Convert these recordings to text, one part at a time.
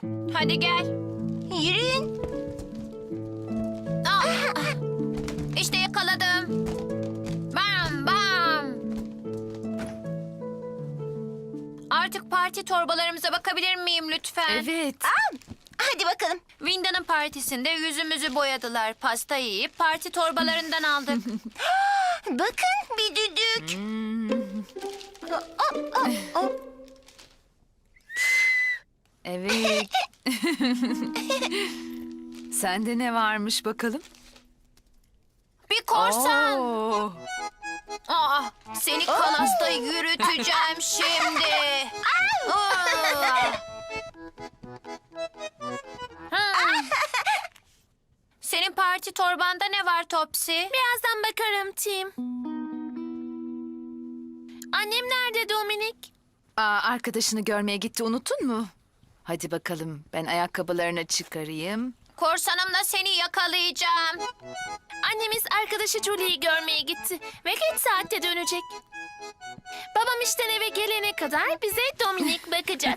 Hadi gel. Yürüyün. Ah, İşte yakaladım. Bam bam. Artık parti torbalarımıza bakabilir miyim lütfen? Evet. Hadi bakalım. Winda'nın partisinde yüzümüzü boyadılar. Pasta yiyip parti torbalarından aldık. Bakın bir düdük. Evet. Sende ne varmış bakalım? Bir korsan. Oo. Seni kanasta yürüteceğim şimdi. Aa! Hmm. Senin parti torbanda ne var Topsy? Birazdan bakarım Tim. Annem nerede Dominik? Arkadaşını görmeye gitti, unuttun mu? Hadi bakalım, ben ayakkabılarını çıkarayım. Korsanımla seni yakalayacağım. Annemiz arkadaşı Julie'yi görmeye gitti ve geç saatte dönecek. Babam işten eve gelene kadar bize Dominik bakacak.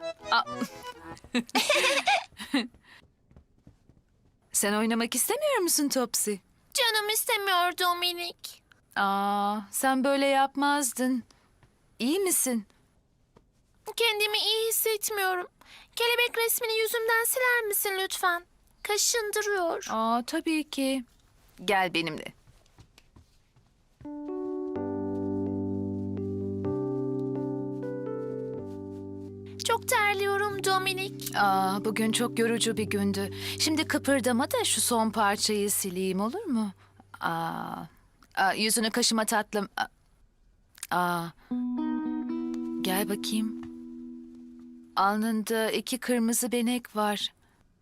Sen oynamak istemiyor musun Topsy? Canım istemiyor Dominik. Sen böyle yapmazdın. İyi misin? Kendimi iyi hissetmiyorum. Kelebek resmini yüzümden siler misin lütfen? Kaşındırıyor. Tabii ki. Gel benimle. Çok terliyorum Dominik. Bugün çok yorucu bir gündü. Şimdi kıpırdama da şu son parçayı sileyim, olur mu? Yüzünü kaşıma tatlım. Gel bakayım. Alnında 2 kırmızı benek var.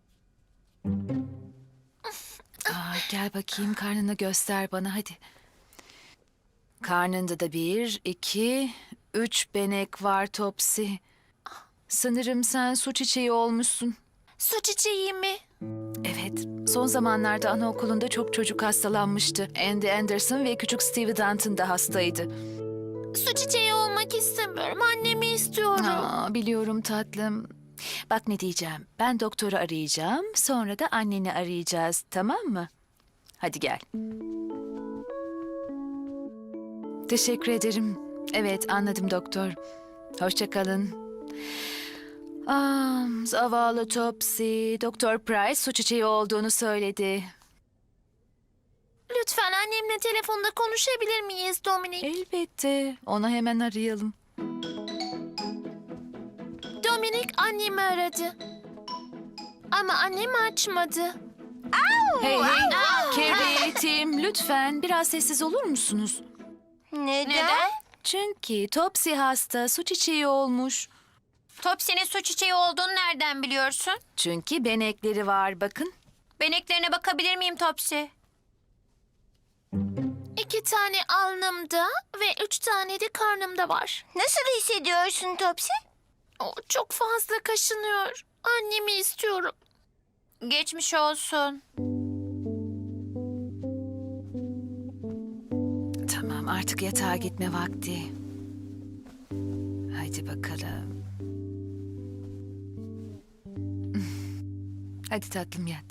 Gel bakayım, karnını göster bana hadi. Karnında da 1, 2, 3 benek var Topsy. Sanırım sen su çiçeği olmuşsun. Su çiçeği mi? Evet, son zamanlarda anaokulunda çok çocuk hastalanmıştı. Andy Anderson ve küçük Stevie Danton da hastaydı. Su çiçeği olmak istemiyorum. Annemi istiyorum. Biliyorum tatlım. Bak ne diyeceğim. Ben doktoru arayacağım. Sonra da anneni arayacağız. Tamam mı? Hadi gel. Teşekkür ederim. Evet, anladım doktor. Hoşça kalın. Zavallı Topsy. Doktor Price su çiçeği olduğunu söyledi. Lütfen annemle telefonda konuşabilir miyiz Dominik? Elbette. Onu hemen arayalım. Dominik annemi aradı. Ama annem açmadı. Hey, Carrie, Tim, lütfen biraz sessiz olur musunuz? Neden? Çünkü Topsy hasta, su çiçeği olmuş. Topsy'nin su çiçeği olduğunu nereden biliyorsun? Çünkü benekleri var, bakın. Beneklerine bakabilir miyim Topsy? 2 tane alnımda ve 3 tane de karnımda var. Nasıl hissediyorsun Topsy? Çok fazla kaşınıyor. Annemi istiyorum. Geçmiş olsun. Tamam, artık yatağa gitme vakti. Haydi bakalım. Hadi tatlım yat.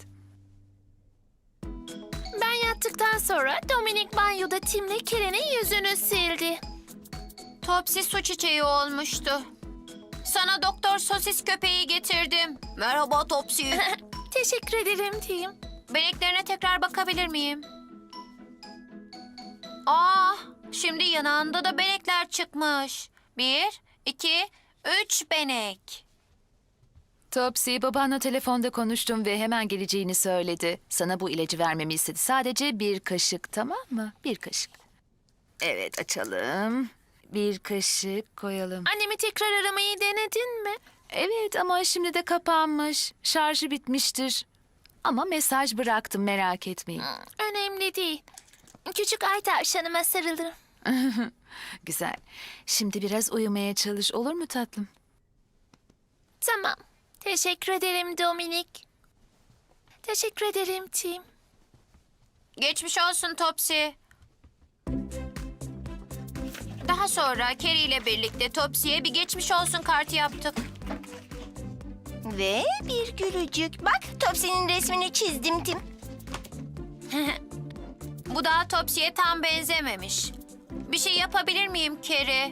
Ben yattıktan sonra Dominik banyoda Tim'le Keren'in yüzünü sildi. Topsy su çiçeği olmuştu. Sana doktor sosis köpeği getirdim. Merhaba Topsy. Teşekkür ederim Tim. Beneklerine tekrar bakabilir miyim? Şimdi yanağında da benekler çıkmış. 1, 2, 3 benek. Topsy, babanla telefonda konuştum ve hemen geleceğini söyledi. Sana bu ilacı vermemi istedi. Sadece 1 kaşık, tamam mı? 1 kaşık. Evet, açalım. 1 kaşık koyalım. Annemi tekrar aramayı denedin mi? Evet ama şimdi de kapanmış. Şarjı bitmiştir. Ama mesaj bıraktım, merak etmeyin. Önemli değil. Küçük ay tavşanıma sarılırım. Güzel. Şimdi biraz uyumaya çalış, olur mu tatlım? Tamam. Teşekkür ederim Dominik. Teşekkür ederim Tim. Geçmiş olsun Topsy. Daha sonra Carrie ile birlikte Topsy'ye bir geçmiş olsun kartı yaptık. Ve bir gülücük. Bak, Topsy'nin resmini çizdim Tim. Bu daha Topsy'ye tam benzememiş. Bir şey yapabilir miyim Carrie?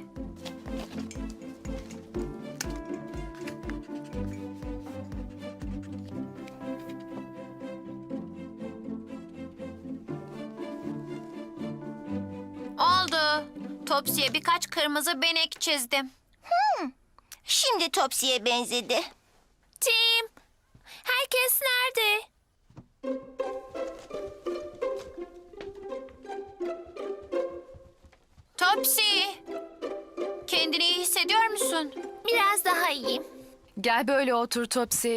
Oldu. Topsy'ye birkaç kırmızı benek çizdim. Şimdi Topsy'ye benzedi. Tim, herkes nerede? Topsy! Kendini iyi hissediyor musun? Biraz daha iyiyim. Gel böyle otur Topsy.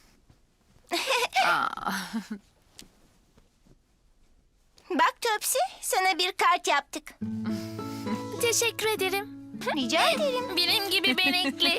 Bak Topsy, sana bir kart yaptık. Teşekkür ederim. Rica ederim. Benim gibi benekli.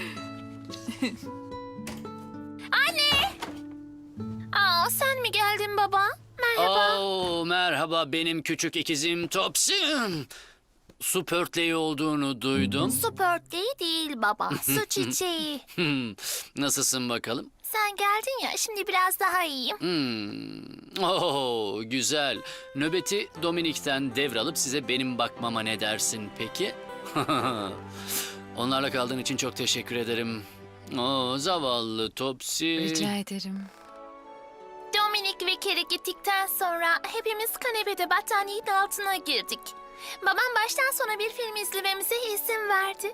Anne! Aa, sen mi geldin baba? Merhaba. Merhaba benim küçük ikizim Topsy. Su pörtleği olduğunu duydum. Su pörtleği değil baba, su çiçeği. Nasılsın bakalım? Sen geldin ya, şimdi biraz daha iyiyim. Güzel. Nöbeti Dominik'ten devralıp size benim bakmama ne dersin peki? Onlarla kaldığın için çok teşekkür ederim. Zavallı Topsy. Rica ederim. Dominik ve Carrie gittikten sonra hepimiz kanepede battaniyenin altına girdik. Babam baştan sona bir film izlememize izin verdi.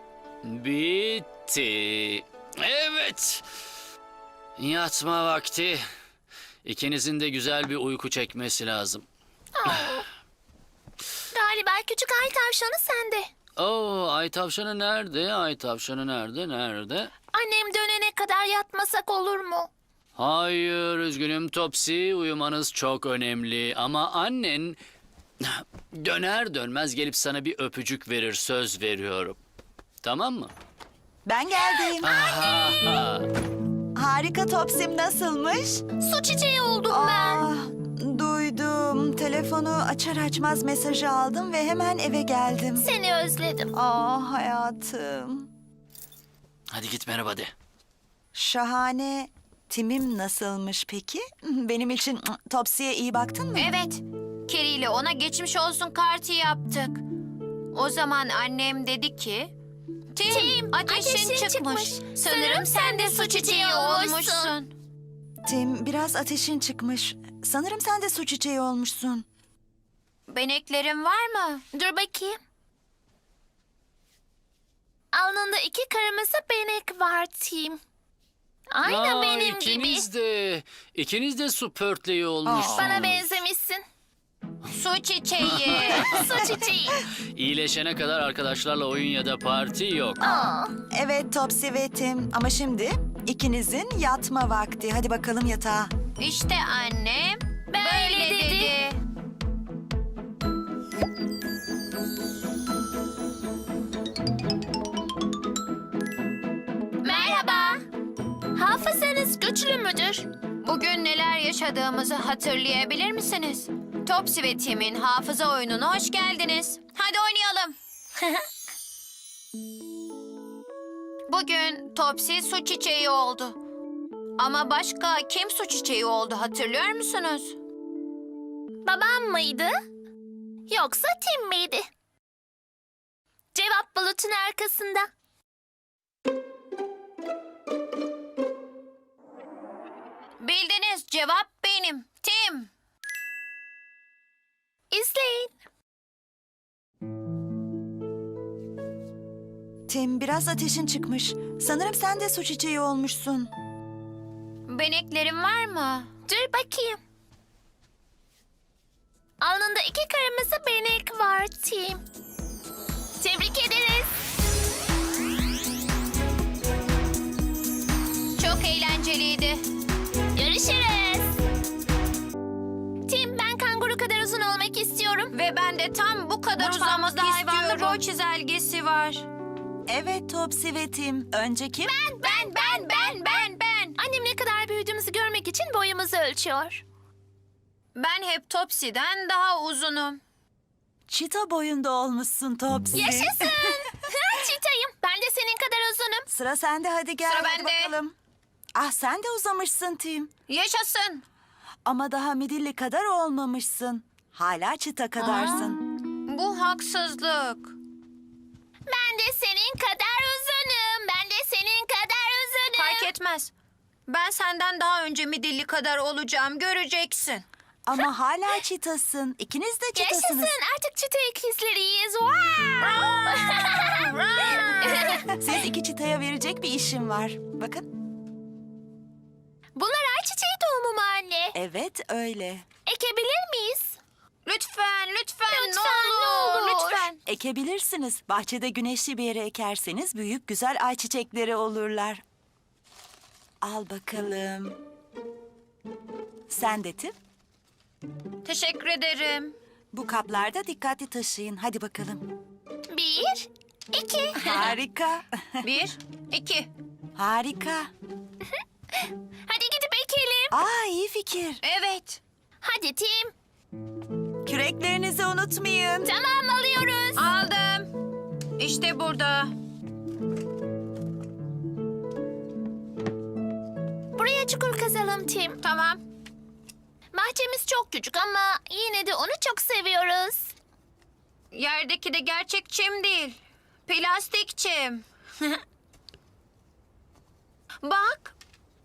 Bitti. Evet. Yatma vakti. İkinizin de güzel bir uyku çekmesi lazım. Galiba küçük ay tavşanı sende. Ay tavşanı nerede? Ay tavşanı nerede? Nerede? Annem dönene kadar yatmasak olur mu? Hayır, üzgünüm Topsy. Uyumanız çok önemli. Ama annen döner dönmez gelip sana bir öpücük verir, söz veriyorum. Tamam mı? Ben geldim. Harika Topsim nasılmış? Su çiçeği oldum ben. Ah, duydum. Telefonu açar açmaz mesajı aldım ve hemen eve geldim. Seni özledim. Ah hayatım. Hadi git merhaba de. Şahane. Timim nasılmış peki? Benim için Topsy'ye iyi baktın mı? Evet. Carrie ile ona geçmiş olsun kartı yaptık. O zaman annem dedi ki... Tim, ateşin çıkmış. Sanırım sen de su çiçeği olmuşsun. Tim, biraz ateşin çıkmış. Sanırım sen de su çiçeği olmuşsun. Beneklerin var mı? Dur bakayım. Alnında 2 kırmızı benek var Tim. Aynı benim gibi. İkiniz de su pörtleği olmuşsunuz. Bana benzemişsin. Su çiçeği. Su çiçeği. İyileşene kadar arkadaşlarla oyun ya da parti yok. Evet Topsy ve Tim. Ama şimdi ikinizin yatma vakti. Hadi bakalım yatağa. İşte annem Böyle dedi. Merhaba. Hafızanız güçlü müdür? Bugün neler yaşadığımızı hatırlayabilir misiniz? Topsy ve Tim'in hafıza oyununa hoş geldiniz. Hadi oynayalım. Bugün Topsy su çiçeği oldu. Ama başka kim su çiçeği oldu hatırlıyor musunuz? Babam mıydı? Yoksa Tim miydi? Cevap bulutun arkasında. Bildiniz, cevap benim. Tim. İzleyin. Tim, biraz ateşin çıkmış. Sanırım sen de su çiçeği olmuşsun. Beneklerin var mı? Dur bakayım. Alnında 2 kırmızı benek var Tim. Tebrik ederiz. Çok eğlenceliydi. Görüşürüz. Tim, ben kanguru kadar uzun olmak istiyorum. Ve ben de tam bu kadar uzamak Mutfağımızda hayvanlı istiyorum. boy Boy çizelgesi var. Evet Topsy ve Tim. Önce kim? Ben. Annem ne kadar büyüdüğümüzü görmek için boyumuzu ölçüyor. Ben hep Topsy'den daha uzunum. Çita boyunda olmuşsun Topsy. Yaşasın. Çitayım. Ben de senin kadar uzunum. Sıra sende, hadi gel. Sıra hadi bende. bakalım. Ah sen de uzamışsın Tim. Yaşasın. Ama daha midilli kadar olmamışsın. Hala çıta kadarsın. Bu haksızlık. Ben de senin kadar uzunum. Ben de senin kadar uzunum. Fark etmez. Ben senden daha önce midilli kadar olacağım. Göreceksin. Ama hala çıtasın. İkiniz de çıtasınız. Yaşasın, artık çıta ikizleriyiz. Wow! Siz iki çıtaya verecek bir işim var. Bakın. Bunlar ayçiçeği tohumu mu anne? Evet öyle. Ekebilir miyiz? Lütfen, lütfen, Lütfen, ne olur, ne olur. lütfen. Ekebilirsiniz. Bahçede güneşli bir yere ekerseniz büyük güzel ayçiçekleri olurlar. Al bakalım. Sen de Tim. Teşekkür ederim. Bu kaplarda dikkatli taşıyın. Hadi bakalım. 1, 2. Harika. 1, 2. Harika. Hadi gidip ekelim. Aa iyi fikir. Evet. Hadi Tim. Küreklerinizi unutmayın. Tamam, alıyoruz. Aldım. İşte burada. Buraya çukur kazalım Tim. Tamam. Bahçemiz çok küçük ama yine de onu çok seviyoruz. Yerdeki de gerçek çim değil. Plastik çim. Bak.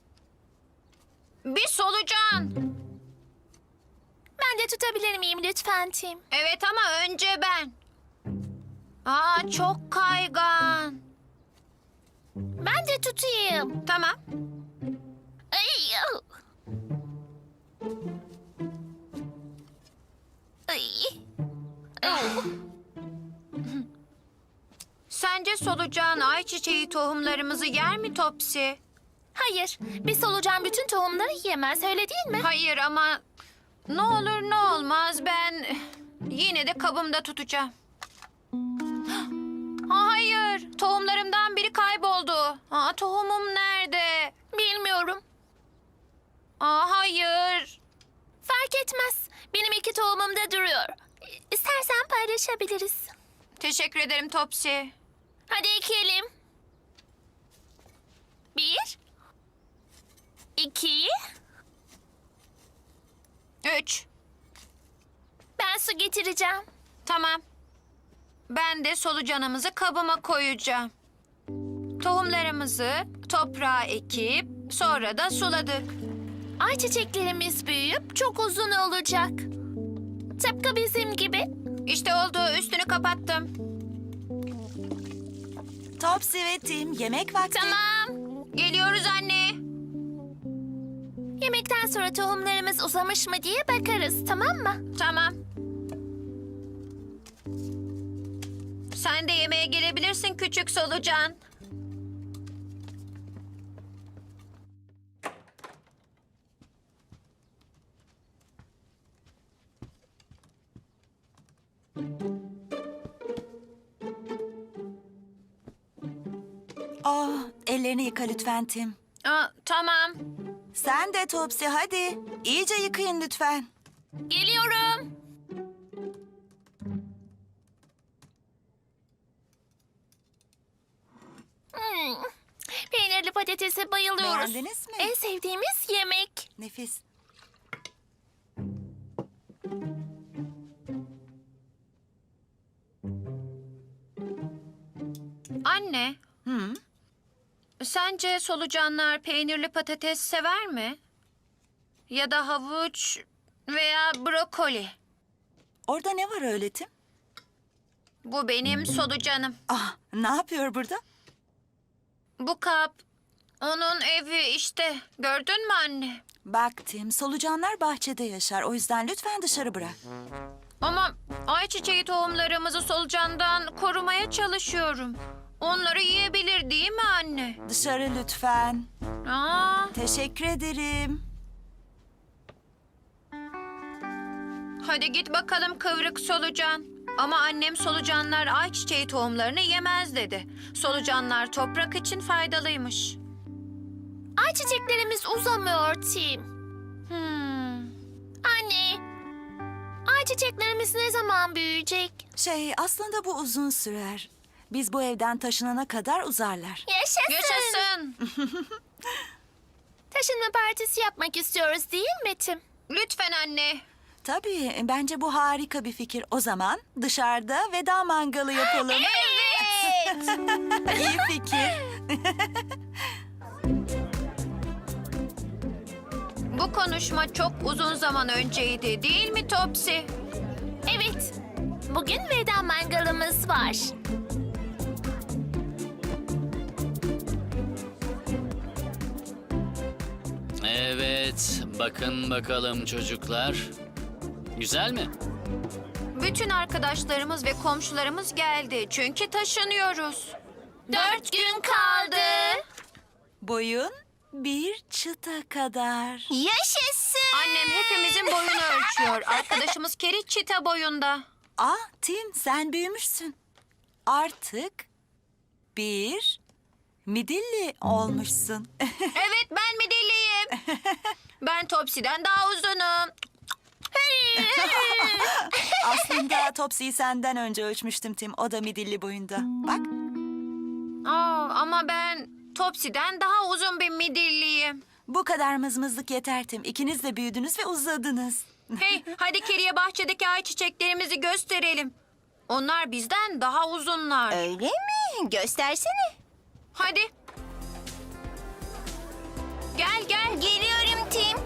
Bir solucan. Ben de tutabilir miyim lütfen Tim? Evet ama önce ben. Aa çok kaygan. Ben de tutayım. Tamam. Ay. Ay. Oh. Sence solucan ayçiçeği tohumlarımızı yer mi Topsy? Hayır, bir solucan bütün tohumları yiyemez, öyle değil mi? Hayır ama ne olur ne olmaz ben yine de kabımda tutacağım. Hayır, tohumlarımdan biri kayboldu. Aa, tohumum nerede? Bilmiyorum. Hayır. Fark etmez. Benim 2 tohumum da duruyor. İstersen paylaşabiliriz. Teşekkür ederim Topsy. Hadi ekelim. 1, 2. 3. Ben su getireceğim. Tamam. Ben de solucanımızı kabıma koyacağım. Tohumlarımızı toprağa ekip sonra da suladık. Ayçiçeklerimiz büyüyüp çok uzun olacak. Tıpkı bizim gibi. İşte oldu, üstünü kapattım. Topsy ve Tim yemek vakti. Tamam. Geliyoruz anne. Yemekten sonra tohumlarımız uzamış mı diye bakarız, tamam mı? Tamam. Sen de yemeğe gelebilirsin küçük solucan. Ellerini yıka lütfen Tim. Tamam. Sen de Topsy hadi. İyice yıkayın lütfen. Geliyorum. Peynirli patatese bayılıyoruz. Beğendiniz mi? En sevdiğimiz yemek. Nefis. Anne, Hı? sence solucanlar peynirli patates sever mi? Ya da havuç veya brokoli? Orada ne var öyle Tim? Bu benim solucanım. Ne yapıyor burada? Bu kap onun evi işte. Gördün mü anne? Bak Tim, solucanlar bahçede yaşar. O yüzden lütfen dışarı bırak. Ama ayçiçeği tohumlarımızı solucandan korumaya çalışıyorum. Onları yiyebilir değil mi anne? Dışarı lütfen. Teşekkür ederim. Hadi git bakalım kıvrık solucan. Ama annem solucanlar ayçiçeği tohumlarını yemez dedi. Solucanlar toprak için faydalıymış. Ayçiçeklerimiz uzamıyor Tim. Anne, ayçiçeklerimiz ne zaman büyüyecek? Aslında bu uzun sürer. Biz bu evden taşınana kadar uzarlar. Yaşasın. Yaşasın. taşınma partisi yapmak istiyoruz değil mi Tim? Lütfen anne. Tabii, bence bu harika bir fikir. O zaman dışarıda veda mangalı yapalım. Evet. İyi fikir. Bu konuşma çok uzun zaman önceydi değil mi Topsy? Evet. Bugün veda mangalımız var. Evet, bakın bakalım çocuklar. Güzel mi? Bütün arkadaşlarımız ve komşularımız geldi. Çünkü taşınıyoruz. 4 gün kaldı. Boyun bir çıta kadar. Yaşasın. Annem hepimizin boyunu ölçüyor. Arkadaşımız Keri çita boyunda. Tim, sen büyümüşsün. Artık bir midilli olmuşsun. Evet, ben midilliyim. Ben Topsy'den daha uzunum. Aslında Topsy'yi senden önce ölçmüştüm Tim. O da midilli boyunda. Bak. Ama ben Topsy'den daha uzun bir midilliyim. Bu kadar mızmızlık yeter Tim. İkiniz de büyüdünüz ve uzadınız. Hey, hadi Keri'ye bahçedeki ayçiçeklerimizi gösterelim. Onlar bizden daha uzunlar. Öyle mi? Göstersene. Hadi. Gel gel. Geliyorum Tim.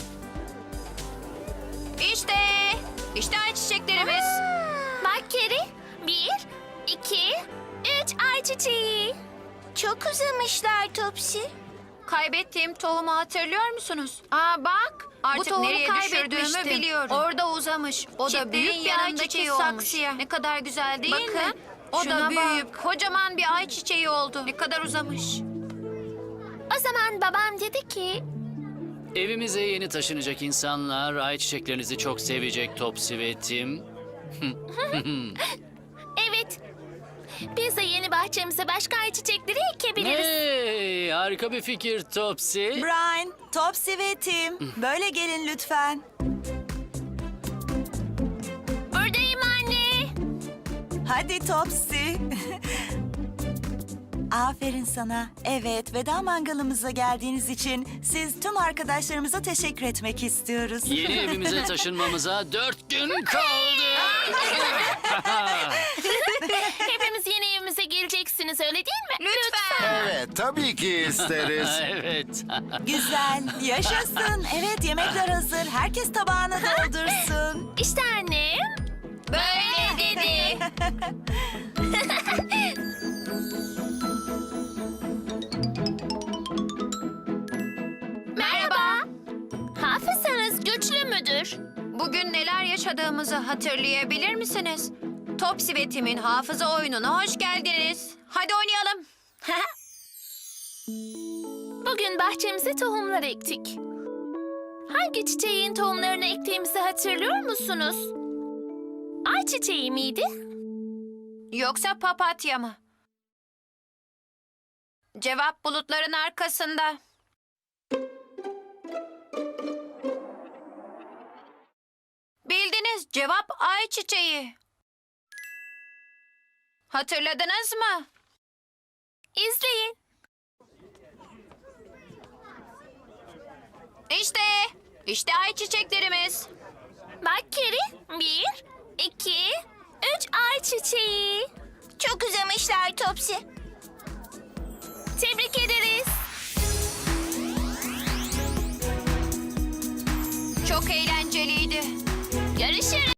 İşte. İşte ayçiçeklerimiz. Bak Keri. 1, 2, 3 ayçiçeği. Çok uzamışlar Topsy. Kaybettiğim tohumu hatırlıyor musunuz? Bak. Artık tohumu nereye düşürdüğümü kaybetmiştim. biliyorum. Orada uzamış. O da Çiftliğin büyük bir yanındaki ayçiçeği olmuş. saksıya. Ne kadar güzel değil mi? Bakın, O şuna da büyük. Kocaman bir ayçiçeği oldu. Ne kadar uzamış. O zaman babam dedi ki... Evimize yeni taşınacak insanlar ayçiçeklerinizi çok sevecek Topsy ve Tim. Evet. Biz de yeni bahçemize başka ayçiçekleri ekebiliriz. Hey, harika bir fikir Topsy. Brian, Topsy ve Tim. Böyle gelin lütfen. Buradayım anne. Hadi Topsy. Aferin sana. Evet, veda mangalımıza geldiğiniz için siz tüm arkadaşlarımıza teşekkür etmek istiyoruz. Yeni evimize taşınmamıza 4 gün kaldı. Hepimiz yeni evimize geleceksiniz öyle değil mi? Lütfen. Evet, tabii ki isteriz. Evet. Güzel, yaşasın. Evet, yemekler hazır. Herkes tabağını doldursun. İşte annem. Böyle dedi. Merhaba. Hafızanız güçlü müdür? Bugün neler yaşadığımızı hatırlayabilir misiniz? Topsy ve Tim'in hafıza oyununa hoş geldiniz. Hadi oynayalım. Bugün bahçemize tohumlar ektik. Hangi çiçeğin tohumlarını ektiğimizi hatırlıyor musunuz? Ayçiçeği miydi? Yoksa papatya mı? Cevap bulutların arkasında. Bildiniz, cevap ayçiçeği. Hatırladınız mı? İzleyin. İşte ayçiçeklerimiz. Bak Keri. 1, 2, 3 ayçiçeği. Çok uzamışlar Topsy. Tebrik ederiz. Çok eğlenceliydi. Görüşürüz.